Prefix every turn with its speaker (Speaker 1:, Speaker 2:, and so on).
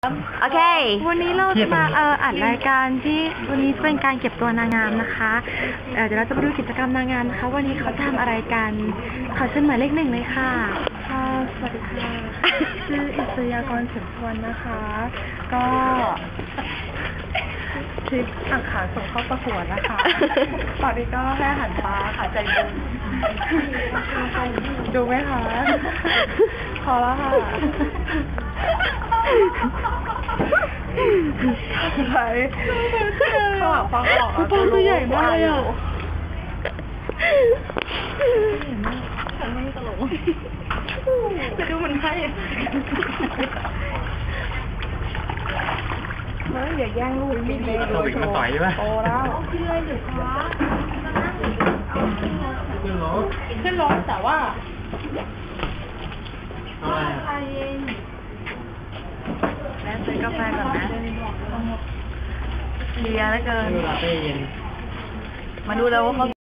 Speaker 1: โอเค
Speaker 2: วันนี้เราจะมาอัดรายการที่วันนี้เป็นการเก็บตัวนางงามนะคะเดี๋ยวเราจะไปดูกิจกรรมนางงามนะคะวันนี้เขาทำอะไรกันขอเชิญหมายเลข 1เลยค่ะสวัสดีค่ะชื่ออิสยากรเฉิมพวนนะคะก็คลิปอักขารส่งเข้าประกวดนะคะตอนนี้ก็แค่หันปลาค่ะใจบุญดูไหมคะพอแล้วค่ะไปข้างหลังฟังออกตัวใหญ่มากเลยอ่ะเห็นไหมฉันไม่ตลกจะดูมันให้อย่าแย่งลูกมีเลยโตแล้วขึ้นเลยหรือคะขึ้นรถแต่ว่าแม่ซื้อกาแฟก่อนนะเลียแล้วเกินมาดูแล้วว่าเขา